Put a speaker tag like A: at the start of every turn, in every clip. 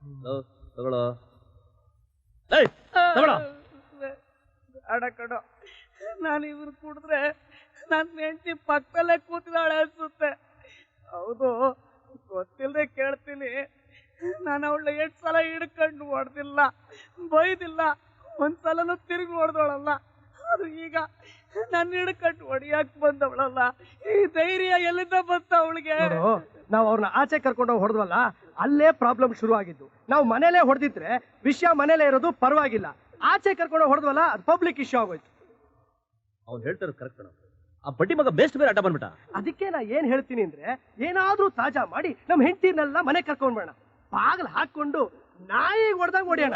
A: ತಗೊಳ್ಳೋ
B: ಅಡ ಕಡೋ ನಾನು ಇವ್ರು ಕುಡಿದ್ರೆ ನನ್ನ ಹೆಂಡತಿ ಪಕ್ಕದಲ್ಲೇ ಕೂತಿದ್ದಾಳೆ ಅನ್ಸುತ್ತೆ. ಹೌದು, ಗೊತ್ತಿಲ್ಲದೆ ಕೇಳ್ತೀನಿ. ನಾನು ಅವಳ 8 ಸಲ ಹಿಡ್ಕೊಂಡು ಹೊಡೆದಿಲ್ಲ, ಬೈದಿಲ್ಲ, ಒಂದ್ಸಲನೂ ತಿರುಗಿ ಹೊಡೆದವಳಲ್ಲ. ಅದು ಈಗ ನನ್ನ ಹಿಡ್ಕೊಂಡು ಹೊಡಿಯಕ್ ಬಂದವಳಲ್ಲ. ಈ ಧೈರ್ಯ ಎಲ್ಲಿಂದ ಬಂತ ಅವಳಿಗೆ?
C: ನಾವು ಅವ್ರನ್ನ ಆಚೆ ಕರ್ಕೊಂಡು ಹೊಡೆದ್ವಲ್ಲ, ಅಲ್ಲೇ ಪ್ರಾಬ್ಲಮ್ ಶುರು ಆಗಿದ್ದು. ನಾವು ಮನೇಲೆ ಹೊಡೆದಿದ್ರೆ ವಿಷಯ ಮನೇಲೆ ಇರೋದು ಪರವಾಗಿಲ್ಲ. ಆಚೆ ಕರ್ಕೊಂಡು ಹೊಡೆದ್ವಲ್ಲ, ಅದು ಪಬ್ಲಿಕ್ ಇಶ್ಯೂ ಆಗೋಯ್ತು.
A: ಅವ್ನು ಹೇಳ್ತಾರೆ ಕರೆಕ್ಟ್. ಆ ಬಡ್ಡಿ ಮಗ ಬೇಸ್ಟ್ ಬೇರೆ ಅಡ್ಡ ಬಂದ್ಬಿಟ್ಟ.
C: ಅದಕ್ಕೆ ನಾ ಏನ್ ಹೇಳ್ತೀನಿ ಅಂದ್ರೆ, ಏನಾದ್ರೂ ತಾಜಾ ಮಾಡಿ ನಮ್ ಹೆಂಡತಿನೆಲ್ಲ ಮನೆ ಕರ್ಕೊಂಡ್ಬೇಡ, ಬಾಗಿಲು ಹಾಕೊಂಡು ನಾಯಿಗೆ ಹೊಡೆದಾಗ ಹೊಡಿಯೋಣ.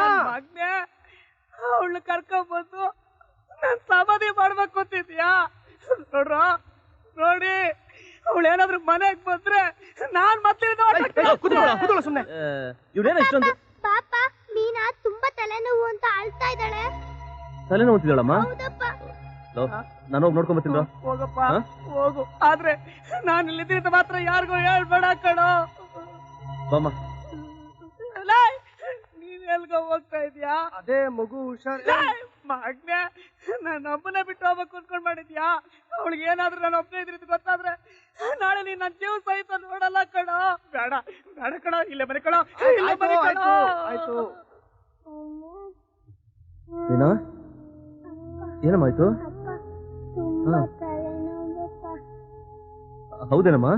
B: ಅವಳು ಕರ್ಕೊಂಡ್ಬಂದು ನಾನ್ ಸಮಾಧಿ ಮಾಡ್ಬೇಕು ಅಂತಿದ್ಯಾ? ನೋಡಿ, ಅವಳು ಏನಾದ್ರು ಮನೆಗೆ ಬಂದ್ರೆ ನಾನ್ ಮತ್ತೆ
C: ಸುಮ್ನೆ
A: ಇವ್ರೇನ ಇಷ್ಟೊಂದು
D: ಪಾಪ ಮೀನಾ ತುಂಬಾ ತಲೆನೋವು ಅಂತ ಅಳ್ತಾ ಇದ್ದಾಳೆ.
A: ತಲೆನೋವು ಅಂತಿದ್ದಾಳಮ್ಮ? ನಾನು ಹೋಗಿ ನೋಡ್ಕೊಂಡ್ ಬರ್ತೀನಿ.
B: ಹೋಗಪ್ಪ ಹೋಗು, ಆದ್ರೆ ನಾನು ಇಲ್ಲಿದ್ರಿಂದ ಮಾತ್ರ ಯಾರಿಗೂ ಹೇಳ್ಬೇಡ ಕಣೋ. ನೀನ್ ಎಲ್ಗೋ ಹೋಗ್ತಾ ಇದ್ಯಾ?
C: ಅದೇ ಮಗು ಹುಷಾರ್
B: ಮಗ್ನೆ, ನಾನು ಒಬ್ಬನೇ ಬಿಟ್ಟು ಹೋಗ್ಬೇಕು ಅನ್ಕೊಂಡ್ ಮಾಡಿದ್ಯಾ? ಅವಳಿಗೆ ಏನಾದ್ರೂ ನಾನು ಒಬ್ಬನೇ ಇದ್ರಿದ್ದು ಗೊತ್ತಾದ್ರೆ ನಾಳೆ ನೀನ್ ನನ್ನ ಜೀವ ಸಹಿತ ನೋಡಲ್ಲ ಕಣೋ. ಬೇಡ ಬೇಡ ಕಣೋ, ಇಲ್ಲೇ ಮನೆ ಕಣೋ, ಇಲ್ಲೇ ಮನೆ ಕಣೋ.
C: ಆಯ್ತು.
A: ಏನಮ್ಮಾಯ್ತು? ಹೌದೇನಮ್ಮ?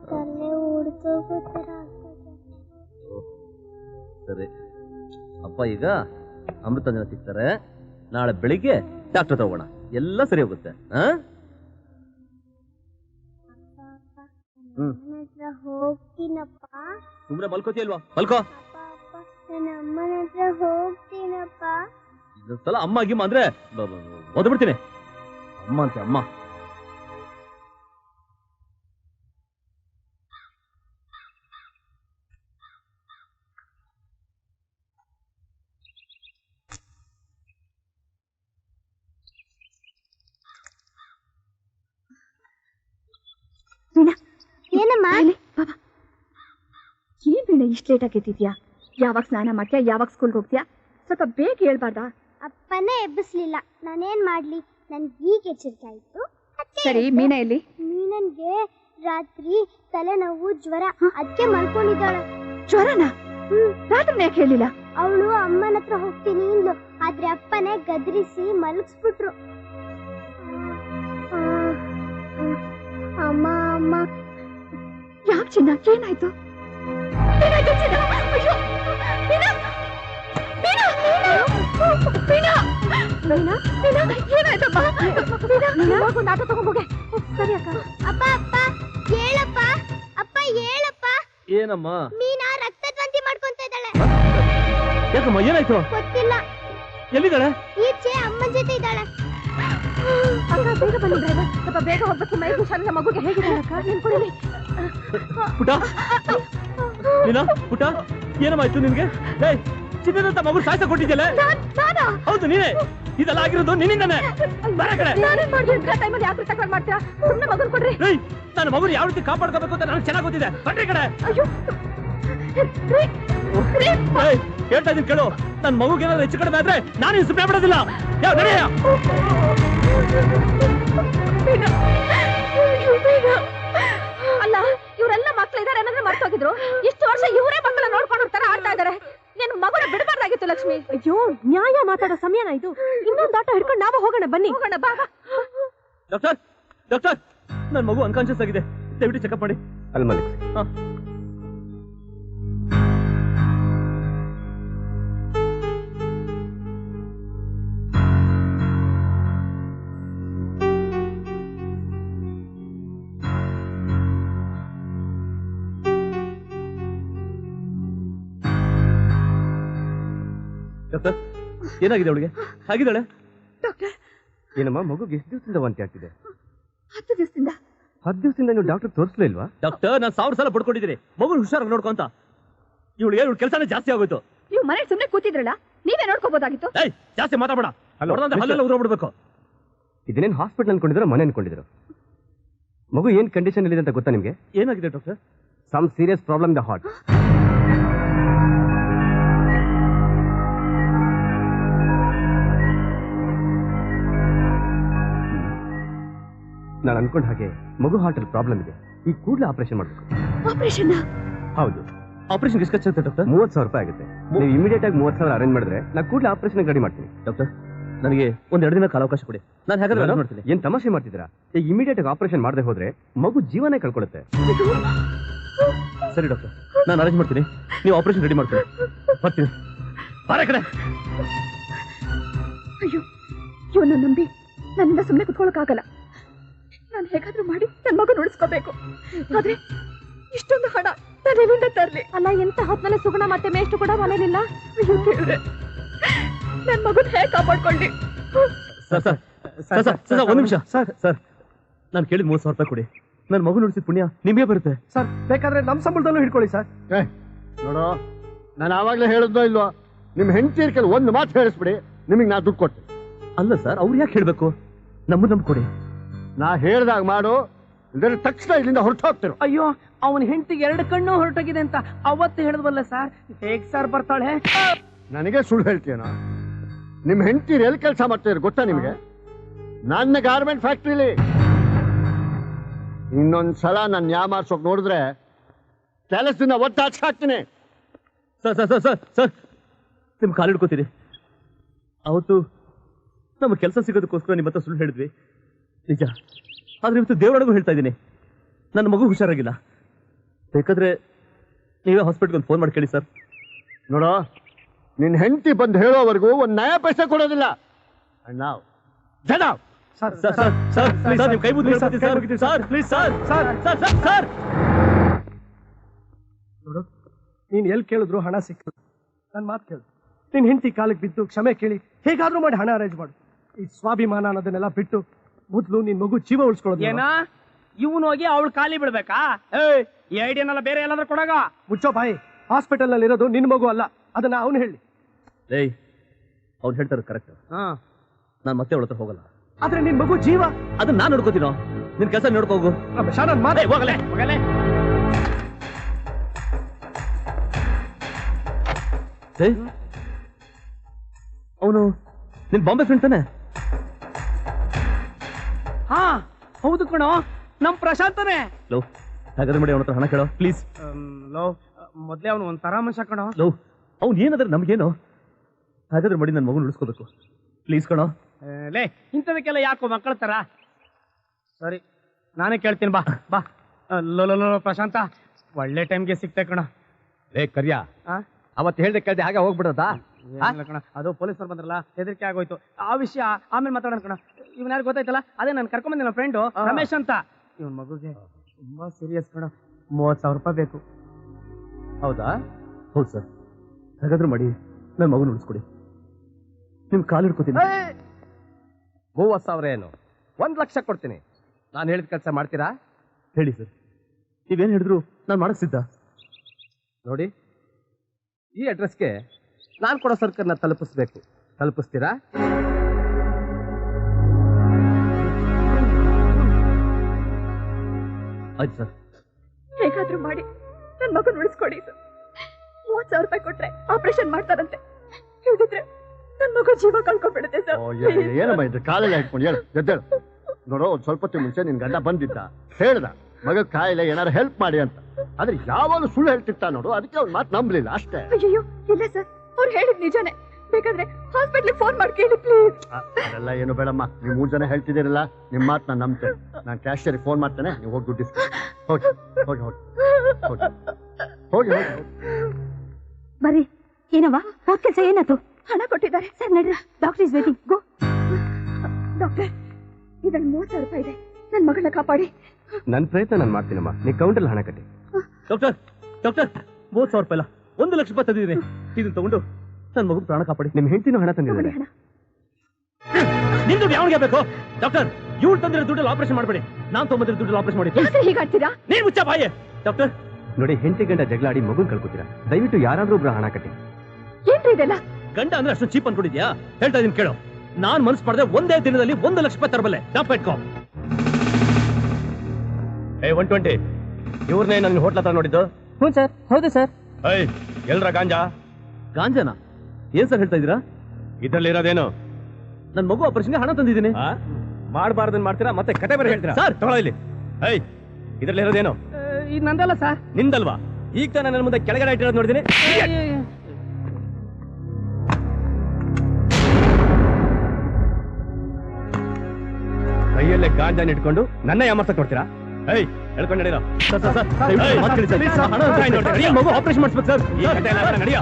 A: ಸರಿ, ಅಪ್ಪ ಈಗ ಅಮೃತಾಂಜನ ಸಿಗ್ತಾರೆ. ನಾಳೆ ಬೆಳಿಗ್ಗೆ ಡಾಕ್ಟರ್ ತಗೋಣ, ಎಲ್ಲ ಸರಿ ಹೋಗುತ್ತೆ.
D: ಹೋಗ್ತೀನಪ್ಪ.
A: ಸುಮ್ನೆ ಮಲ್ಕೋತಿ ಅಲ್ವಾ? ಮಲ್ಕೋ.
D: ನನ್ನ ಅಮ್ಮನ ಹತ್ರ ಹೋಗ್ತೀನಪ್ಪ.
A: ಇದೊಂದ್ಸಲ ಅಮ್ಮ ಗಿಮ್ಮ ಅಂದ್ರೆ ಓದ್ಬಿಡ್ತೀನಿ. ಅಮ್ಮ ಅಂತೆ ಅಮ್ಮ.
D: ಏನಮ್ಮ?
E: ಏನ್ ಬೇಡ ಇಷ್ಟು ಲೇಟ್ ಆಗಿದ್ಯಾ? ಯಾವಾಗ ಸ್ನಾನ ಮಾಡ್ತೀಯಾ, ಯಾವಾಗ ಸ್ಕೂಲ್ಗೆ ಹೋಗ್ತೀಯಾ? ಸ್ವಲ್ಪ ಬೇಗ ಹೇಳ್ಬಾರ್ದಾ?
D: ಅಪ್ಪನೇ ಎಬ್ಬಿಸ್ಲಿಲ್ಲ, ನಾನೇನ್ ಮಾಡ್ಲಿ? ನನ್ಗೆ ಈಗ ಎಚ್ಚರಿಕೆ ಆಯ್ತು.
E: ಸರಿ, ಮೀನಾ ಎಲ್ಲಿ?
D: ಮೀನನ್ಗೆ ರಾತ್ರಿ ತಲೆನೋವು, ಜ್ವರ, ಅದಕ್ಕೆ ಮಲ್ಕೊಂಡಿದ್ದಾಳೆ.
E: ಜ್ವರನಾ? ರಾತ್ರಿ ಯಾಕೆ ಹೇಳಿಲ್ಲ?
D: ಅವಳು ಅಮ್ಮನ ಹತ್ರ ಹೋಗ್ತೀನಿ ಇಂದ್ಲು, ಆದ್ರೆ ಅಪ್ಪನೇ ಗದರಿಸಿ ಮಲಗಿಸ್ಬಿಟ್ರು. ಅಮ್ಮ ಅಮ್ಮ.
E: ಯಾಕೆ ಚಿನ್ನ, ಏನಾಯ್ತು?
D: ಸರಿ ಅಕ್ಕ. ಅಪ್ಪ ಅಪ್ಪ ಹೇಳಪ್ಪ, ಅಪ್ಪ ಹೇಳಪ್ಪ.
A: ಏನಮ್ಮ?
D: ಮೀನಾ ರಕ್ತದ್ವಂತಿ ಮಾಡ್ಕೊಂತ ಇದ್ದಾಳೆ.
A: ಯಾಕಮ್ಮ, ಏನಾಯ್ತು?
D: ಗೊತ್ತಿಲ್ಲ.
A: ಎಲ್ಲಿದ್ದಾಳೆ?
D: ಈಚೆ ಅಮ್ಮನ ಜೊತೆ ಇದ್ದಾಳೆ.
E: ಅಕ್ಕ ಬೇಗ ಬನ್ನಿ ಡ್ರೈವರ್, ಸ್ವಲ್ಪ ಬೇಗ ಹೋಗ್ಬೇಕು. ಮೈ ಹುಷಾರಿಲ್ಲ, ಮಗುಗೆ ಹೇಗಿದೆ ಅಕ್ಕ? ನೀನ್ ಕೊಡಿ.
A: ಪುಟ, ನೀನಾ? ಪುಟ, ಏನಮ್ಮಾಯ್ತು ನಿನ್ಗೆ? ಚಿನ್ನದಂತ ಮಗು ಸಾಯ್ಸ ಕೊಟ್ಟಿದ್ಯಲ್ಲ? ಹೌದು, ನೀನೇ. ಇದೆಲ್ಲ ಆಗಿರೋದು ನಿನ್ನಿಂದಾನೆ. ಬರ ಕಡೆ. ನನ್ನ ಮಗುನ ಯಾವ ರೀತಿ ಕಾಪಾಡ್ಕೋಬೇಕು ಅಂತ ನನಗೆ ಚೆನ್ನಾಗಿ ಗೊತ್ತಿದೆ. ಬನ್ರಿ ಕಡೆ. ಹೇಳ್ತಾ ಇದೀನಿ ಕೇಳು, ನನ್ನ ಮಗುಗೆ ಏನಾದ್ರು ಹೆಚ್ಚು ಕಡಿಮೆ ಆದ್ರೆ ನಾನು ಸುಮ್ಮನೆ ಬಿಡೋದಿಲ್ಲ. ಯಾವ ನಡೆಯ?
E: ಅಲ್ಲ, ಇವರೆಲ್ಲ ಮಕ್ಳು ಇದಾರೆ ಅನ್ನೋದ್ರೆ ಮರ್ತೋಗಿದ್ರು. ಇಷ್ಟು ವರ್ಷ ಇವರೇ ಮಕ್ಕಳ ನೋಡ್ಕೊಂಡು ತರ ಆಡ್ತಾ ಇದಾರೆ. ನೀನು ಮಗುನ ಬಿಡಬಾರ್ದಾಗಿತ್ತು ಲಕ್ಷ್ಮಿ. ಅಯ್ಯೋ, ನ್ಯಾಯ ಮಾತಾಡೋ ಸಮಯನ ಇದು. ಇನ್ನೊಂದು ಆಟ ಹಿಡ್ಕೊಂಡು ನಾವು ಹೋಗೋಣ, ಬನ್ನಿ ಹೋಗೋಣ. ಬಾ.
A: ಡಾಕ್ಟರ್, ಡಾಕ್ಟರ್, ನನ್ನ ಮಗು ಅನ್ಕಾನ್ಶಿಯಸ್ ಆಗಿದೆ, ದಯವಿಟ್ಟು ಚೆಕಪ್ ಮಾಡಿ.
F: ಅಲ್ಲಿ ಮಲಿಕ್ಸಿ.
A: ಡಾಕ್ಟರ್, ಏನಾಗಿದೆ ಅವಳಿಗೆ? ಹಾಗಿದ್ದಾಳೆ?
E: ಡಾಕ್ಟರ್,
F: ಏನಮ್ಮ, ಮಗುಗೆ ಎಷ್ಟು ದಿವಸದಿಂದ ವಾಂತಿ ಆಗ್ತಿದೆ?
E: 10 ದಿವಸದಿಂದ.
F: 10 ದಿವಸದಿಂದ ನೀವು ಡಾಕ್ಟರ್ ತೋರಿಸ್ಲಿಲ್ವಾ?
A: ಡಾಕ್ಟರ್, ನಾನು 1000 ಸಲ ಪಡ್ಕೊಂಡಿದ್ದೀನಿ ಮಗು ಹುಷಾರಾಗಿ ನೋಡ್ಕೊಂತ. ಇವಳಿಗೆ ಇವಳು ಕೆಲಸನೇ ಜಾಸ್ತಿ ಆಗೋಯ್ತು.
E: ನೀವು ಮನೆ ಸುಮ್ಮನೆ ಕೂತಿದ್ರಲ್ಲ, ನೀವೇ ನೋಡ್ಕೋಬಹುದಾಗಿತ್ತು.
A: ಜಾಸ್ತಿ ಮಾತಾಡಬೇಡ, ಹಲ್ಲೆಲ್ಲ ಉದ್ರೋಗ್ಬಿಡ್ಬೇಕು.
F: ಇದನ್ನೇನು ಹಾಸ್ಪಿಟಲ್ ಅನ್ಕೊಂಡಿದ್ರು, ಮನೆ ಅನ್ಕೊಂಡಿದ್ರು? ಮಗು ಏನ್ ಕಂಡೀಷನ್ ಇದೆ ಅಂತ ಗೊತ್ತಾ ನಿಮ್ಗೆ?
A: ಏನಾಗಿದೆ doctor?
F: Some serious problem the heart. ನಾನು ಅನ್ಕೊಂಡ ಹಾಗೆ ಮಗು ಹಾರ್ಟಲ್ಲಿ ಪ್ರಾಬ್ಲಮ್ ಇದೆ, ಈ ಕೂಡಲೇ ಆಪರೇಷನ್ ಮಾಡಬೇಕು.
E: ಆಪರೇಷನ್?
F: ಹೌದು.
A: ಆಪರೇಷನ್ ಎಷ್ಟು ಖರ್ಚಾಗುತ್ತೆ ಡಾಕ್ಟರ್?
F: 30,000 ರೂಪಾಯಿ ಆಗುತ್ತೆ. ನೀವು ಇಮಿಡಿಯೇಟ್ ಆಗಿ 30,000 ಅರೇಂಜ್ ಮಾಡಿದ್ರೆ ನಾನು ಕೂಡಲೇ ಆಪರೇಷನ್ ರೆಡಿ ಮಾಡ್ತೀನಿ.
A: ಡಾಕ್ಟರ್, ನನಗೆ ಒಂದೆರಡು ದಿನ ಕಾಲಾವಕಾಶ ಕೊಡಿ, ನಾನು ಹೇಗಾದ್ರೂ arrange ಮಾಡ್ತೀನಿ.
F: ಏನ್ ತಮಾಷೆ ಮಾಡ್ತಿದ್ದೀರಾ? ಈಗ ಇಮಿಡಿಯೇಟ್ ಆಗಿ ಆಪರೇಷನ್ ಮಾಡದೆ ಹೋದ್ರೆ ಮಗು ಜೀವನೇ ಕಳ್ಕೊಳ್ಳುತ್ತೆ.
A: ಸರಿ ಡಾಕ್ಟರ್, ನಾನು ಅರೇಂಜ್ ಮಾಡ್ತೀನಿ, ನೀವು ಆಪರೇಷನ್ ರೆಡಿ ಮಾಡ್ತೀನಿ. ಬರ್ತೀನಿ. ಬಾರ ಕಡೆ.
E: ಅಯ್ಯೋ, ಇವನ್ನ ನಂಬಿ ನನ್ನಿಂದ ಸುಮ್ಮನೆ ಕುತ್ಕೊಳ್ಳೋಕ್ಕಾಗಲ್ಲ. ನಾನು ಹೇಗಾದ್ರೂ ಮಾಡಿ ನನ್ನ ಮಗನ ಉಳಿಸ್ಕೋಬೇಕು. ಆದ್ರೆ ಇಷ್ಟೊಂದು ಹಣ ನಾನು ಎಲ್ಲಿಂದ ತರ್ಲಿ? ಅಲ್ಲ, ಎಂತ ಹೊತ್ನಲ್ಲಿ ಸುಗುಣ ಮತ್ತೆ ಮೇಷ್ಟು ಕೂಡ ಮನೇಲಿಲ್ಲ. ಅಯ್ಯೋ ದೇವ್ರೆ, ನನ್ನ ಮಗನ ಹೇಗೆ ಕಾಪಾಡ್ಕೊಳ್ಳಿ?
A: ಸರ್ ಒಂದು ನಿಮಿಷ. ಸರ್ ನಾನು ಕೇಳಿದ 30,000 ರೂಪಾಯಿ ಕೊಡಿ, ನನ್ನ ಮಗು ನುಡಿಸಿದ ಪುಣ್ಯ ನಿಮಗೆ ಬರುತ್ತೆ.
C: ಸರ್ ಬೇಕಾದ್ರೆ ನಮ್ಮ ಸಂಬಳದಲ್ಲೂ ಹಿಡ್ಕೊಳ್ಳಿ ಸರ್.
G: ನೋಡೋ, ನಾನು ಆವಾಗಲೇ ಹೇಳಿದ್ನೋ ಇಲ್ವೋ, ನಿಮ್ಮ ಹೆಂಡತಿ ಕೆಲ ಒಂದು ಮಾತು ಹೇಳಿಸ್ಬಿಡಿ, ನಿಮಗೆ ನಾ ದುಡ್ಡು ಕೊಟ್ಟೆ.
A: ಅಲ್ಲ ಸರ್, ಅವ್ರು ಯಾಕೆ ಹೇಳ್ಬೇಕು? ನಮ್ಮನ್ನ ಕೊಡಿ.
G: ನಾ ಹೇಳ್ದಾಗ ಮಾಡು, ಇದರ ತಕ್ಷಣ ಇಲ್ಲಿಂದ ಹೊರಟು ಹೋಗ್ತಿರು.
B: ಅಯ್ಯೋ, ಅವನ ಹೆಂಡತಿಗೆ 2 ಕಣ್ಣು ಹೊರಟೋಗಿದೆ ಅಂತ ಅವತ್ತು ಹೇಳಿದ್ವಲ್ಲ ಸರ್. ಹೇಗ್ ಸರ್ ಬರ್ತಾಳೆ?
G: ನನಗೆ ಸುಳ್ಳು ಹೇಳ್ತೀಯನ? ನಿಮ್ಮ ಹೆಂಡತಿ ಎಲ್ಲಿ ಕೆಲಸ ಮಾಡ್ತಿದ್ರು ಗೊತ್ತಾ ನಿಮಗೆ? ನನ್ನ ಗಾರ್ಮೆಂಟ್ ಫ್ಯಾಕ್ಟ್ರಿಲಿ. ಇನ್ನೊಂದ್ಸಲ ನಾನು ಯಾಮಾರ್ಸೋಕ್ ನೋಡಿದ್ರೆ ಕೆಲಸದಿಂದ ಒತ್ತಾಚ್ ಹಾಕ್ತೀನಿ.
A: ಸರ್ ನಿಮ್ ಕಾಲು ಹಿಡ್ಕೋತೀರಿ. ಅವತ್ತು ನಮ್ಮ ಕೆಲಸ ಸಿಗೋದಕ್ಕೋಸ್ಕರ ನಿಮ್ಮ ಹತ್ರ ಸುಳ್ಳು ಹೇಳಿದ್ವಿ, ನಿಜ. ಆದ್ರೆ ಇವತ್ತು ದೇವರೊಳಗೂ ಹೇಳ್ತಾ ಇದ್ದೀನಿ, ನನ್ನ ಮಗು ಹುಷಾರಾಗಿಲ್ಲ. ಬೇಕಾದ್ರೆ ನೀವೇ ಹಾಸ್ಪಿಟ್ಲ್ಗೆ ಒಂದು ಫೋನ್ ಮಾಡಿ ಕೇಳಿ ಸರ್.
G: ನೋಡೋ, ನಿನ್ನ ಹೆಂಡತಿ ಬಂದು ಹೇಳೋವರೆಗೂ ಒಂದು ನಯ ಪೈಸೆ ಕೊಡೋದಿಲ್ಲ. ನಾವು ಜನ
A: ಸರ್ ನಿಮ್ ಕೈ ಮುಗಿದು ಸರ್, ಪ್ಲೀಸ್ ಸರ್.
C: ನೋಡು, ನೀನ್ ಎಲ್ಲಿ ಕೇಳಿದ್ರು ಹಣ ಸಿಕ್ತು. ನನ್ನ ಮಾತು ಕೇಳು, ನಿನ್ ಹೆಂಡತಿ ಕಾಲಿಗೆ ಬಿದ್ದು ಕ್ಷಮೆ ಕೇಳಿ ಹೇಗಾದ್ರೂ ಮಾಡಿ ಹಣ ಅರೇಂಜ್ ಮಾಡು. ಈ ಸ್ವಾಭಿಮಾನ ಅನ್ನೋದನ್ನೆಲ್ಲ ಬಿಟ್ಟು ಮೊದಲು ನಿನ್ ಮಗು ಜೀವ ಉಳಿಸ್ಕೊಳ್ಳೋದು.
B: ಏನ ಇವನು ಹೋಗಿ ಅವಳು ಖಾಲಿ ಬಿಡ್ಬೇಕಾ? ಈ ಐಡಿಯಾನೆಲ್ಲ ಬೇರೆ ಎಲ್ಲಾದ್ರೂ ಕೊಡಾಗ.
C: ಮುಚ್ಚೋ ಬಾಯಿ. ಹಾಸ್ಪಿಟಲ್ ನಲ್ಲಿ ಇರೋದು ನಿನ್ ಮಗು ಅಲ್ಲ, ಅದನ್ನ ಅವನು ಹೇಳಿ.
A: ಏಯ್, ಅವ್ರು ಹೇಳ್ತಾರೆ ಕರೆಕ್ಟ್. ನಾನು ಮತ್ತೆ ಅವಳ ಹತ್ರ ಹೋಗಲ್ಲ.
C: ಆದ್ರೆ ನಿನ್ ಮಗು ಜೀವ,
A: ಅದನ್ನ ನಾನು ನೋಡ್ಕೋತೀನೋ, ನಿನ್ ಕೆಲಸ ನೋಡ್ಕೋಗು.
C: ಶಾನನ್ ಮಾತೆ
A: ಹೋಗಲೇ. ಅವನು ನಿನ್ ಬಾಂಬೆ ಫ್ರೆಂಡ್ ತಾನೆ?
B: ಹಾ ಹೌದು ಕಣೋ, ನಮ್ ಪ್ರಶಾಂತನೇ.
A: ಲೋ, ಹಾಗಾದ್ರೆ ಮಾಡಿ ಅವನ ಹತ್ರ ಹಣ ಕೇಳೋ ಪ್ಲೀಸ್.
B: ಲೋ, ಮೊದ್ಲೇ ಅವನು ಒಂಥರ ಮನುಷ್ಯ ಕಣೋ.
A: ಲೋ, ಅವ್ನು ಏನಾದ್ರೆ ನಮ್ಗೇನು? ಹಾಗಾದ್ರೆ ಮಾಡಿ ನನ್ನ ಮಗನ ಉಳಿಸ್ಕೋಬೇಕು ಪ್ಲೀಸ್ ಕಣೋ.
B: ಲೇ, ಇಂಥದಕ್ಕೆಲ್ಲ ಯಾಕೋ ಮಕ್ಕಳ ತರ? ಸರಿ, ನಾನೇ ಕೇಳ್ತೀನಿ, ಬಾ ಬಾ. ಲೋ ಪ್ರಶಾಂತ, ಒಳ್ಳೆ ಟೈಮ್ಗೆ ಸಿಕ್ತೆ ಕಣ.
F: ಏ ಕರ್ಯ, ಅವತ್ತು ಹೇಳ್ದೆ ಕೇಳ್ದೆ ಹಾಗೆ ಹೋಗ್ಬಿಡೋದಾ?
B: ಕಣ, ಅದು ಪೊಲೀಸರು ಬಂದ್ರಲ್ಲ, ಹೆದರಿಕೆ ಆಗೋಯ್ತು. ಆ ವಿಷಯ ಆಮೇಲೆ ಮಾತಾಡೋಣ ಕಣ. ಇವನ್ ಯಾರು ಗೊತ್ತಾಯ್ತಲ್ಲ, ಅದೇ ನಾನು ಕರ್ಕೊಂಡ್ ನನ್ನ ಫ್ರೆಂಡು ರಮೇಶ್ ಅಂತ. ಇವನ್ ಮಗುಗೆ ತುಂಬಾ ಸೀರಿಯಸ್ ಕಣ. 30,000 ರೂಪಾಯಿ ಬೇಕು.
F: ಹೌದಾ?
A: ಹೌದು ಸರ್. ಹಾಗಾದ್ರೆ ಮಾಡಿ ನನ್ನ ಮಗನ ಉಳಿಸ್ಕೊಡಿ. ನಿಮ್ ಕಾಲು ಹಿಡ್ಕೋತೀನಿ.
F: 30,000 ಏನು? 1 ಲಕ್ಷ ಕೊಡ್ತೀನಿ. ನಾನು ಹೇಳಿದ ಕೆಲಸ ಮಾಡ್ತೀರಾ?
A: ಹೇಳಿ ಸರ್, ನೀವೇನು ಹೇಳಿದ್ರು ನಾನು ಮಾಡಕ್ ಸಿದ್ಧ.
F: ನೋಡಿ, ಈ ಅಡ್ರೆಸ್ಗೆ ನಾನು ಕೊಡೋ ಸರ್ಕಲ್ನ ತಲುಪಿಸ್ಬೇಕು. ತಲುಪಿಸ್ತೀರಾ?
A: ಆಯ್ತು ಸರ್.
E: ಹೇಗಾದ್ರೂ ಮಾಡಿ ನನ್ನ ಮಗನ ಉಳಿಸ್ಕೊಡಿ. 30,000 ರೂಪಾಯಿ ಕೊಟ್ರೆ ಆಪರೇಷನ್ ಮಾಡ್ತಾರಂತೆ. ಹೇಳಿದ್ರೆ ನನ್ನ ಮಗು ಜೀವ ಕಳ್ಕೊಂಡ್ಬಿಡುತ್ತೆ ಸರ್.
G: ಏನಮ್ಮ ಇದು ಕಾಲೆಲ್ಲ ಇಟ್ಕೊಂಡು ಹೇಳು, ಎದ್ದೇಳು. ನೋಡೋ, ಒಂದ್ ಸ್ವಲ್ಪ ಹೊತ್ತು ಮುಂಚೆ ನಿನ್ ಗಂಡ ಬಂದಿದ್ದ, ಹೇಳ್ದ ಮಗ ಕಾಯಿಲೆ ಏನಾರು ಹೆಲ್ಪ್ ಮಾಡಿ ಅಂತ. ಆದ್ರೆ ಯಾವಾಗಲೂ ಸುಳ್ಳು ಹೇಳ್ತಿರ್ತಾ ನೋಡು, ಅದಕ್ಕೆ ಅವ್ನ ಮಾತು ನಂಬಲಿಲ್ಲ ಅಷ್ಟೇ.
E: ಅಯ್ಯೋ ಇಲ್ಲ ಸರ್, ಅವ್ರು ಹೇಳಿದ್ ನಿಜಾನೇ. ಬೇಕಾದ್ರೆ ಹಾಸ್ಪಿಟ್ಲಿಗೆ ಫೋನ್ ಮಾಡಿ ಕೇಳಿ ಪ್ಲೀಸ್.
G: ಅದೆಲ್ಲ ಏನು ಬೇಡಮ್ಮ, ನೀವು 3 ಜನ ಹೇಳ್ತಿದ್ದೀರಲ್ಲ, ನಿಮ್ಮ ಮಾತು ನಾನು ನಂಬ್ತೇನೆ. ನಾನು ಕ್ಯಾಶಿಯರ್ಗೆ ಫೋನ್ ಮಾಡ್ತೇನೆ, ನೀವು ಹೋಗಿ ದುಡ್ಡು ಇಸ್ಕೊ. ಹೋಗಿ ಹೋಗಿ ಹೋಗಿ ಹೋಗಿ ಹೋಗಿ ಹೋಗಿ
E: ಬರ್ರಿ. ಏನವ್ವ, ಹೋದ್ ಕೆಲಸ ಏನಾಯ್ತು? ಹಣ ಕೊಟ್ಟಿದ್ದಾರೆ ಸರ್, ನಡ್ರಿ. Doctor is waiting. Go. Doctor, ಇದ್ರಲ್ಲಿ 30,000 ರೂಪಾಯಿ ಇದೆ, ನನ್ನ ಮಗಳನ್ನ ಕಾಪಾಡಿ.
F: ನನ್ನ ಪ್ರಯತ್ನ ನಾನು ಮಾಡ್ತೀನಮ್ಮ, ನೀ ಕೌಂಟಲ್ಲಿ ಹಣ ಕಟ್ಟಿ.
A: ಡಾಕ್ಟರ್ 30,000 ರೂಪಾಯಿ ಅಲ್ಲ, 1 ಲಕ್ಷ ರೂಪಾಯಿ ತಂದಿದ್ದೀನಿ. ಇದನ್ನ ತಗೊಂಡು ನನ್ನ ಮಗು ಪ್ರಾಣ ಕಾಪಾಡಿ.
F: ನಿಮ್ಮ ಹೆಂಡತಿನೂ ಹಣ ತಂದಿದ್ದಾರೆ.
A: ನಿಮ್ ದುಡ್ಡು ಯಾವನಿಗೆ ಬೇಕು? ಡಾಕ್ಟರ್, ಇವ್ರು ತಂದಿರೋ ದುಡ್ಡಲ್ಲಿ ಆಪರೇಷನ್ ಮಾಡಬೇಡಿ, ನಾನು ತೊಗೊಂಡಿರೋ ದುಡ್ಡಲ್ಲಿ ಆಪರೇಷನ್ ಮಾಡಿ.
E: ಹೀಗಾಡ್ತೀರಾ?
A: ನೀನ್ ಮುಚ್ಚ ಬಾಯೇ. ಡಾಕ್ಟರ್
F: ನೋಡಿ, ಹೆಂಡತಿ ಗಂಡ ಜಗಳಾಡಿ ಮಗುನ್ ಕಳ್ಕೊತೀರಾ. ದಯವಿಟ್ಟು ಯಾರಾದ್ರೂ ಒಬ್ರು ಹಣ ಕಟ್ಟಿ.
E: ಏನ್ರಿ ಇದೆಲ್ಲ?
A: ಗಂಡ ಅಂದ್ರೆ ಅಷ್ಟು ಚೀಪ್ ಅನ್ಕೊಂಡಿದ್ಯಾ? ಹೇಳ್ತಾ ಇದೀನಿ ಕೇಳು, ನಾನ್ ಮನಸ್ಸು ಮಾಡಿದ್ರೆ ಒಂದೇ ದಿನದಲ್ಲಿ 1 ಲಕ್ಷ ರೂಪಾಯಿ ತರಬಲ್ಲೆ. ಟಾಪ್ ಇಟ್ಕೋ.
F: 120 ಇವ್ರನ್ನೇ ನನ್ನ ಹೋಟ್ಲ ಹತ್ರ ನೋಡಿದ್ದು?
B: ಹ್ಞೂ ಸರ್. ಹೌದು ಸರ್.
F: ಎಲ್ರ ಗಾಂಜಾ?
A: ಗಾಂಜಾನ? ಏನ್ ಸರ್ ಹೇಳ್ತಾ ಇದೀರಾ?
F: ಇದ್ರಲ್ಲಿ ಇರೋದೇನು?
A: ನನ್ ಮಗು ಆಪರೇಷನ್ಗೆ ಹಣ ತಂದಿದ್ದೀನಿ.
F: ಮಾಡಬಾರ್ದನ್ ಮಾಡ್ತೀರಾ ಮತ್ತೆ ಕತೆ ಬೇರೆ ಹೇಳ್ತೀರಾ ಸರ್ ತಗೊಳ್ಳೋ ಇಲ್ಲಿ ಏಯ್ ಇದ್ರಲ್ಲಿ ಇರೋದೇನು
B: ಇದು ನಂದಲ್ಲ ಸರ್.
F: ನಿಂದಲ್ವಾ ಈಗ ತಾನೇ ನನ್ನ ಮುಂದೆ ಕೆಳಗಡೆ ಇಟ್ಟಿರೋದು ನೋಡಿದೀನಿ ಕೈಯಲ್ಲೇ ಗಾಂಜಾನ ಇಟ್ಕೊಂಡು ನನ್ನ ಯಾಮರ್ಸಕ್ ನೋಡ್ತೀರಾ ಏಯ್ ಹೇಳ್ಕೊಂಡು ನಡೀರೋ ಮಗು ಆಪರೇಷನ್ ಮಾಡಿಸ್ಬೇಕು ಸರ್ ಈ ಕತೆ ಎಲ್ಲ ನಡಿಯೋ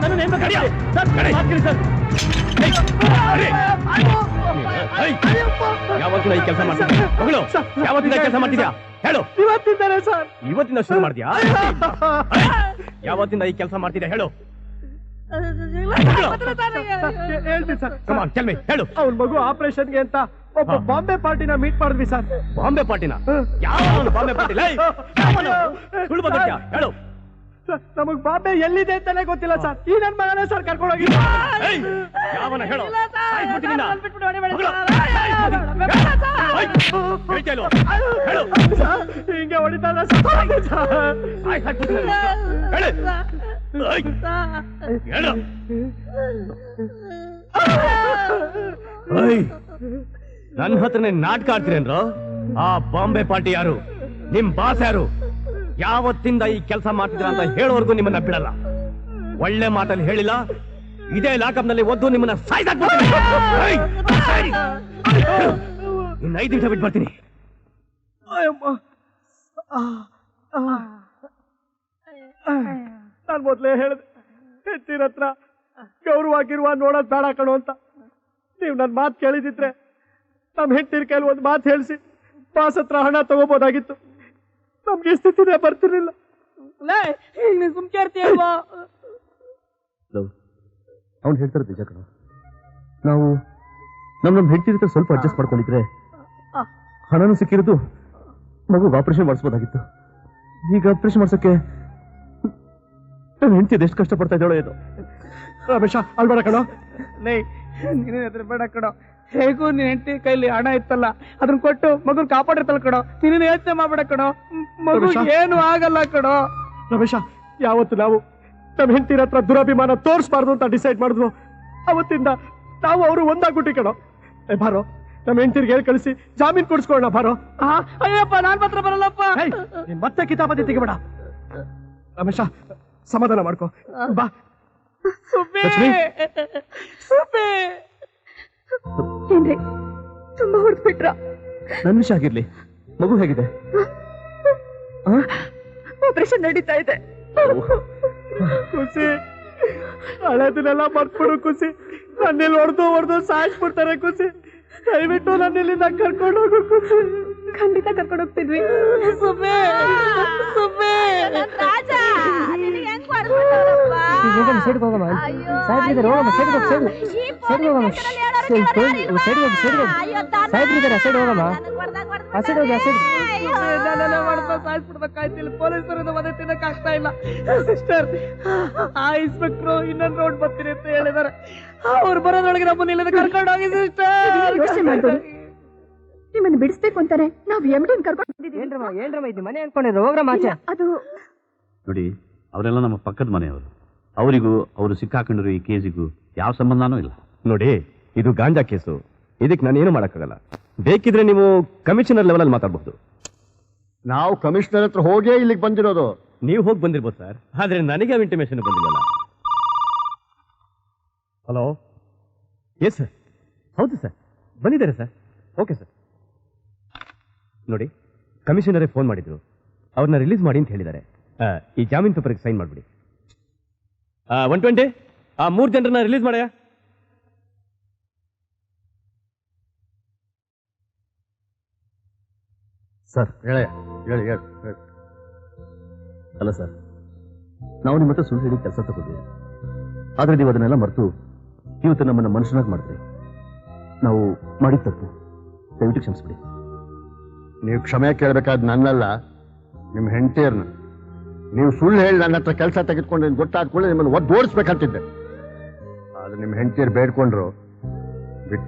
F: ಯಾವತ್ತಿನ ಈ ಕೆಲಸ ಮಾಡ್ತಿದ್ಯಾ ಮಗಳು ಯಾವತ್ತಿನ ಕೆಲಸ ಮಾಡ್ತಿದ್ಯಾ ಹೇಳು
C: ಇವತ್ತಿದ್ದಾರೆ ಸರ್.
F: ಇವತ್ತಿಂದ ಶುರು ಮಾಡ್ತೀಯಾ ಯಾವತ್ತಿಂದ ಈ ಕೆಲಸ ಮಾಡ್ತಿದ್ಯಾ ಹೇಳು
C: ಹೇಳ್ತೀನಿ ಸರ್.
F: ಕಮಾನ್ ಟೆಲ್ ಮಿ ಹೇಳು
C: ಅವ್ನ ಮಗು ಆಪರೇಷನ್ಗೆ ಅಂತ ಒಬ್ಬ ಬಾಂಬೆ ಪಾರ್ಟಿನ ಮೀಟ್ ಮಾಡಿದ್ವಿ ಸರ್.
F: ಬಾಂಬೆ ಪಾರ್ಟಿನ ಯಾವ ಬಾಂಬೆ ಪಾರ್ಟಿ ಸುಳ್ಳು ಬಂದಿದ್ಯಾ ಹೇಳು
C: ಸರ್, ನಮಗ್ ಬಾಂಬೆ ಎಲ್ಲಿದೆ ಅಂತಾನೆ ಗೊತ್ತಿಲ್ಲ ಸರ್. ಈ ನನ್ ಮಗನೇ ಸರ್ ಕರ್ಕೊಂಡು ಹೋಗಿ
F: ಯಾವನ ಹೇಳು
C: ಹಿಂಗೆ ಹೊಡಿತಾರ
F: ನನ್ನ ಹತ್ರನೇ ನಾಟಕ ಆಡ್ತೀರೇನ್ರು ಆ ಬಾಂಬೆ ಪಾರ್ಟಿ ಯಾರು ನಿಮ್ ಬಾಸ್ ಯಾರು ಯಾವತ್ತಿಂದ ಈ ಕೆಲಸ ಮಾಡ್ತಿದ್ರ ಅಂತ ಹೇಳೋವರೆಗೂ ನಿಮ್ಮನ್ನ ಬಿಡಲ್ಲ ಒಳ್ಳೆ ಮಾತಲ್ಲಿ ಹೇಳಿಲ್ಲ ಇದೇ ಲಾಕಪ್ ನಲ್ಲಿ ಒದ್ದು ನಿಮ್ಮನ್ನ ಸಾಯ್ದಾಕ್ಬಿಡ್ತೀನಿ ಇನ್ನು 5 ನಿಮಿಷ ಬಿಟ್ಟು ಬರ್ತೀನಿ
C: ನಾನ್ ಮೊದ್ಲೇ ಹೇಳಿದೆ ಹೆತ್ತಿರ ಹತ್ರ ಗೌರವಾಗಿರುವ ನೋಡೋದ್ ಬೇಡ ಕಣೋ ಅಂತ. ನೀವ್ ನನ್ ಮಾತು ಕೇಳಿದಿದ್ರೆ ನಮ್ ಹೆಂಡತಿರ ಕೈಲಿ ಒಂದ್ ಮಾತು ಹೇಳಿಸಿ ಬಾಸ್ ಹತ್ರ ಹಣ ತಗೋಬೋದಾಗಿತ್ತು. ನಮ್ಗೆ ಈ ಸ್ಥಿತಿನೇ ಬರ್ತಿರ್ಲಿಲ್ಲ.
B: ನೀನ್ ಸುಮ್ಕೆ ಇರ್ತೀಯಲ್ವಾ?
A: ಅವ್ನು ಹೇಳ್ತಾರೆ ನಿಜ ಕಣ. ನಾವು ನಮ್ ಹೆಂಡತಿ ಸ್ವಲ್ಪ ಅಡ್ಜಸ್ಟ್ ಮಾಡ್ಕೊಂಡಿದ್ರೆ ಹಣನೂ ಸಿಕ್ಕಿರೋದು ಮಗು ಆಪರೇಷನ್ ಮಾಡಿಸ್ಬೋದಾಗಿತ್ತು. ಈಗ ಆಪರೇಷನ್ ಮಾಡ್ಸಕ್ಕೆ ನನ್ನ ಹೆಂಡತಿ ಎಷ್ಟು ಕಷ್ಟಪಡ್ತಾ ಇದ್ದಾಳೋ ಏನೋ.
C: ರಮೇಶ ಅಲ್ಬೇಡ ಕಣೋ.
B: ನೀನೇ ಅದ್ರ ಬೇಡ ಕಣೋ. ಹೇಗೂ ನಿನ್ ಹೆಂಡತಿ ಕೈಲಿ ಹಣ ಇತ್ತಲ್ಲ ಅದನ್ನ ಕೊಟ್ಟು ಮಗುನ್ ಕಾಪಾಡಿರ್ತಲ್ಲ ಕಣೋ. ನೀನು ಯೋಚನೆ ಮಾಡ್ಬೇಡ ಕಣೋ. ಮಗು ಏನು ಆಗಲ್ಲ ಕಣೋ.
C: ರಮೇಶ, ಯಾವತ್ತು ನಾವು ನಮ್ಮ ಹೆಂಡತಿರ ಹತ್ರ ದುರಭಿಮಾನ ತೋರಿಸಬಾರ್ದು ಅಂತ ಡಿಸೈಡ್ ಮಾಡಿದ್ವು ಅವತ್ತಿಂದ ನಾವು ಅವರು ಒಂದಾಗ್ಬಿಟ್ಟಿ ಕಣೋ. ಬಾರೋ ನಮ್ಮ ಹೆಂಡತಿರ್ಗೆ ಹೇಳಿ ಕಳಿಸಿ ಜಾಮೀನ್ ಕೊಡಿಸ್ಕೊಳ್ಳೋಣ ಬಾರೋ.
B: ಅಯ್ಯಪ್ಪ ನಾನ್ ಮಾತ್ರ ಬರಲ್ಲಪ್ಪ.
C: ನೀನ್ ಮತ್ತೆ ಕಿತಾಪತಿ ತೆಗಿಬೇಡ. ರಮೇಶ ಸಮಾಧಾನ ಮಾಡ್ಕೋ ಬಾ.
E: ಏನ್ರಿ ತುಂಬಾ ಹೊಡೆದ್ಬಿಟ್ರ?
A: ನನ್ ವಿಷಯ ಆಗಿರ್ಲಿ, ಮಗು ಹೇಗಿದೆ?
E: ಆಪರೇಷನ್ ನಡೀತಾ ಇದೆ.
C: ಖುಷಿ ಹಳೆದನ್ನೆಲ್ಲ ಮರ್ತ್ಬಿಡು ಖುಷಿ. ನನ್ನಿಲ್ಲಿ ಹೊಡೆದು ಸಾಯಿಸ್ಬಿಡ್ತಾರೆ ಖುಷಿ. ದಯವಿಟ್ಟು ನನ್ನ ಇಲ್ಲಿಂದ ಕರ್ಕೊಂಡು ಹೋಗು ಖುಷಿ.
E: ಖಂಡಿತ ಕರ್ಕೊಂಡು ಹೋಗ್ತಿದ್ವಿ.
B: ಪೊಲೀಸರಿಂದ ಮನೆ ತಿನ್ನಕ್ ಆಗ್ತಾ ಇಲ್ಲ ಸಿಸ್ಟರ್. ಆ ಇನ್ಸ್ಪೆಕ್ಟ್ರು ಇನ್ನೊಂದು ರೋಡ್ ಬರ್ತೀನಿ ಅಂತ ಹೇಳಿದಾರೆ. ಅವ್ರು ಬರೋದ್ರೊಳಗೆ ನಮ್ಮನ್ನ ಇಲ್ಲದ ಕರ್ಕೊಂಡು ಹೋಗಿ ಸಿಸ್ಟರ್.
E: ನಿಮ್ಮನ್ನು ಬಿಡಿಸ್ಬೇಕು ಅಂತಾನೆ ನಾವು ಎಮ್ಡಿನ್ ಕರ್ಕೊಂಡು
H: ಇದು ಮನೆ ಅನ್ಕೊಂಡಿದ್ರು ಹೋಗ್ರಮ್ಮ ಆಚೆ.
E: ಅದು
I: ನೋಡಿ, ಅವರೆಲ್ಲ ನಮ್ಮ ಪಕ್ಕದ ಮನೆಯವರು. ಅವರಿಗೂ ಅವರು ಸಿಕ್ಕಾಕೊಂಡಿರೋ ಈ ಕೇಸಿಗೂ ಯಾವ ಸಂಬಂಧನೂ ಇಲ್ಲ.
F: ನೋಡಿ, ಇದು ಗಾಂಜಾ ಕೇಸು. ಇದಕ್ಕೆ ನಾನೇನು ಮಾಡೋಕ್ಕಾಗಲ್ಲ. ಬೇಕಿದ್ರೆ ನೀವು ಕಮಿಷನರ್ ಲೆವೆಲ್ ಅಲ್ಲಿ ಮಾತಾಡಬಹುದು.
G: ನಾವು ಕಮಿಷನರ್ ಹತ್ರ ಹೋಗೇ ಇಲ್ಲಿಗೆ ಬಂದಿರೋದು.
F: ನೀವು ಹೋಗಿ ಬಂದಿರ್ಬೋದು ಸರ್, ಆದ್ರೆ ನನಗೆ ಇಂಟಿಮೇಷನ್ ಬಂದಿಲ್ಲ. ಹಲೋ, ಎಸ್ ಸರ್, ಹೌದು ಸರ್, ಬಂದಿದ್ದಾರೆ ಸರ್. Okay sir. ನೋಡಿ, ಕಮಿಷನರೇ ಫೋನ್ ಮಾಡಿದ್ರು, ಅವ್ರನ್ನ ರಿಲೀಸ್ ಮಾಡಿ ಅಂತ ಹೇಳಿದ್ದಾರೆ. ಈ ಜಾಮೀನ್ ಪೇಪರ್ಗೆ ಸೈನ್ ಮಾಡಿಬಿಡಿ. 120 ಆ 3 ಜನರನ್ನ ರಿಲೀಸ್ ಮಾಡಯ್ಯ.
A: ಸರ್
G: ಹೇಳಿ.
A: ಅಲ್ಲ ಸರ್, ನಾವು ನಿಮ್ಮ ಹತ್ರ ಸುಳ್ಳು ಹೇಳಿ ಕೆಲಸ ತಗೊಂಡ್ವಿ. ಆದ್ರೆ ನೀವು ಅದನ್ನೆಲ್ಲ ಮರೆತು ಇವತ್ತು ನಮ್ಮನ್ನ ಮನುಷ್ಯನಾಗಿ ಮಾಡಿದ್ರಿ. ನಾವು ಮಾಡಿದ ತಪ್ಪು, ದಯವಿಟ್ಟು ಕ್ಷಮಿಸ್ಬಿಡಿ.
G: ನೀವು ಕ್ಷಮೆ ಕೇಳಬೇಕಾದ್ ನನ್ನಲ್ಲ, ನಿಮ್ಮ ಹೆಂಡತಿಯರ್ನ. ನೀವು ಸುಳ್ಳು ಹೇಳಿ ನನ್ನ ಹತ್ರ ಕೆಲಸ ತೆಗೆದುಕೊಂಡು ಗೊತ್ತಾದ ಕೂಡಲೇ ನಿಮ್ಮನ್ನು ಒದ್ದು ಓಡಿಸ್ಬೇಕಂತಿದ್ದೆ. ಆದ್ರೆ ನಿಮ್ಮ ಹೆಂಡತಿಯರು ಬೇಡ್ಕೊಂಡ್ರು, ಬಿಟ್ಟೆ.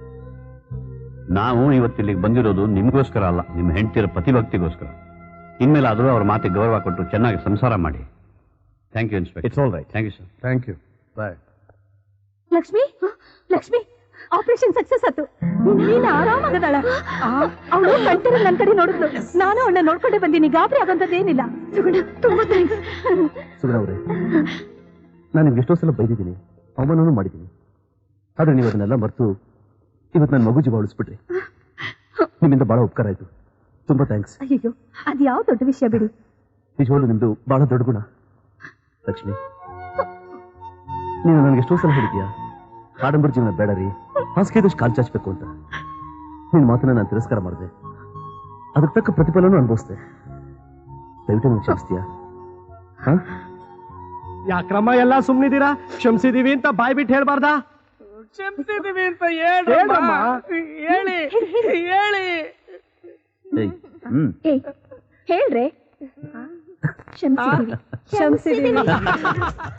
I: ನಾವು ಇವತ್ತಿಲ್ಲಿಗೆ ಬಂದಿರೋದು ನಿಮಗೋಸ್ಕರ ಅಲ್ಲ, ನಿಮ್ಮ ಹೆಂಡತಿಯರ ಪ್ರತಿಭಕ್ತಿಗೋಸ್ಕರ. ಇನ್ಮೇಲೆ ಆದರೂ ಅವ್ರ ಮಾತಿಗೆ ಗೌರವ ಕೊಟ್ಟು ಚೆನ್ನಾಗಿ ಸಂಸಾರ ಮಾಡಿ. Thank you inspector.
F: It's all right.
I: Thank you sir.
G: Thank you. Bye.
E: Lakshmi, Lakshmi, operation success ಆಯ್ತು ನೀನು ಆರಾಮಾಗದಾಳ ಅವಳು ಕಂಟರ ನನ್ನ ಕಡೆ ನೋಡಿದ್ಲು ನಾನು ಅವಳನ್ನ ನೋಡ್ಕೊಂಡೆ ಬಂದೀನಿ ಗಾಬರಿ ಆಗೋಂಥದ್ದೇನಿಲ್ಲ ಸುಗುಣ ತುಂಬಾ ಥ್ಯಾಂಕ್ಸ್
A: ಸುಗುಣ ಅವರೇ ನಾನು ನಿಮ್ಗೆ ಎಷ್ಟೋ ಸಲ ಬೈದಿದ್ದೀನಿ ಅವಮಾನನೂ ಮಾಡಿದ್ದೀನಿ ಆದ್ರೆ ನೀವು ಅದನ್ನೆಲ್ಲ ಮರೆತು ಇವತ್ತು ನನ್ನ ಮಗು ಜೀವ ಉಳಿಸ್ಬಿಟ್ರಿ ನಿಮ್ಮಿಂದ ಬಹಳ ಉಪಕಾರ ಆಯ್ತು ತುಂಬಾ ಥ್ಯಾಂಕ್ಸ್
E: ಅಯ್ಯೋ ಅದು ಯಾವ ದೊಡ್ಡ ವಿಷಯ ಬಿಡಿ
A: ನಿಜವಾಗ್ಲೂ ನಿಮ್ದು ಬಹಳ ದೊಡ್ಡ ಗುಣ ಲಕ್ಷ್ಮಿ ನೀನು ನನಗೆ ಎಷ್ಟೋ ಸಲ ಹೇಳಿದ್ಯಾ ಆಡಂಬರ ಜೀವನ ಬೇಡ ರೀ ಹಾಸಿಗೆದಷ್ಟು ಕಾಲು ಚಾಚಬೇಕು ಅಂತ ನಿನ್ನ ಮಾತನ್ನ ನಾನು ತಿರಸ್ಕಾರ ಮಾಡಿದೆ ಅದಕ್ಕೆ ತಕ್ಕ ಪ್ರತಿಫಲನೂ ಅನುಭವಿಸ್ದೆ ದಯವಿಟ್ಟು ನೀವು ಕ್ಷಮಿಸ್ತೀಯಾ
C: ಯಾಕ್ರಮ್ಮ ಎಲ್ಲ ಸುಮ್ನಿದ್ದೀರಾ ಕ್ಷಮಿಸಿದೀವಿ ಅಂತ ಬಾಯ್ ಬಿಟ್ಟು ಹೇಳ್ಬಾರ್ದಾ
B: ಕ್ಷಮಿಸಿದೀವಿ ಅಂತ ಹೇಳಿ ಹೇಳಿ
E: ಹೇಳ್ರೆ ಕ್ಷಮಿಸಿದೀವಿ